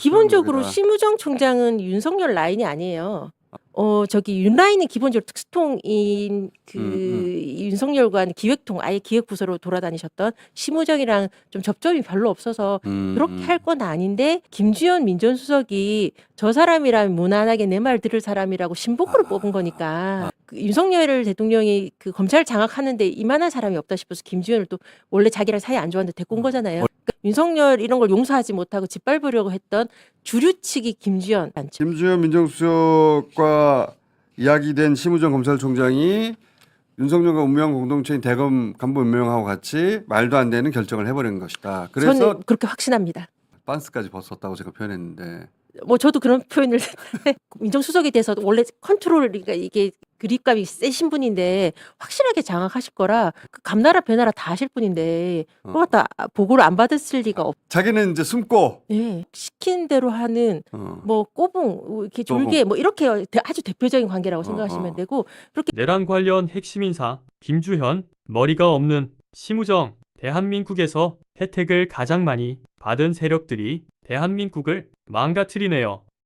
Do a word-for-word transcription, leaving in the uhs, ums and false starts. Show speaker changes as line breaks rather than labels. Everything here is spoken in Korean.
기본적으로
거기다.
심우정 총장은 윤석열 라인이 아니에요. 어 저기 윤 라인은 기본적으로 특수통인 그
음, 음.
윤석열과 기획통 아예 기획부서로 돌아다니셨던 심우정이랑 좀 접점이 별로 없어서
음,
그렇게
음.
할 건 아닌데 김주현 민정수석이 저 사람이라면 무난하게 내 말 들을 사람이라고 신복으로
아,
뽑은 거니까 그 윤석열 대통령이 그 검찰 장악하는데 이만한 사람이 없다 싶어서 김주현을 또 원래 자기랑 사이 안 좋았는데 데리고 온 거잖아요. 그러니까 윤석열 이런 걸 용서하지 못하고 짓밟으려고 했던 주류 측이 김주현 많죠.
김주현 민정수석과 이야기된 심우정 검찰총장이 윤석열과 운명 공동체인 대검 간부 임명하고 같이 말도 안 되는 결정을 해버린 것이다. 그래서
저는 그렇게 확신합니다.
빤스까지 벗었다고 제가 표현했는데
뭐 저도 그런 표현을 민정수석에 대해서 원래 컨트롤 그러니까 이게 그립감이 세신 분인데 확실하게 장악하실 거라 그 감나라 배나라 다 하실 분인데
어.
그거 다 보고를 안 받았을 리가 없.
자기는 이제 숨고
네. 시킨 대로 하는
어.
뭐 꼬붕 이렇게
꼬붕.
졸개 뭐 이렇게 대- 아주 대표적인 관계라고
어,
생각하시면
어.
되고 그렇게
내란 관련 핵심 인사 김주현, 머리가 없는 심우정, 대한민국에서 혜택을 가장 많이 받은 세력들이 대한민국을 망가뜨리네요.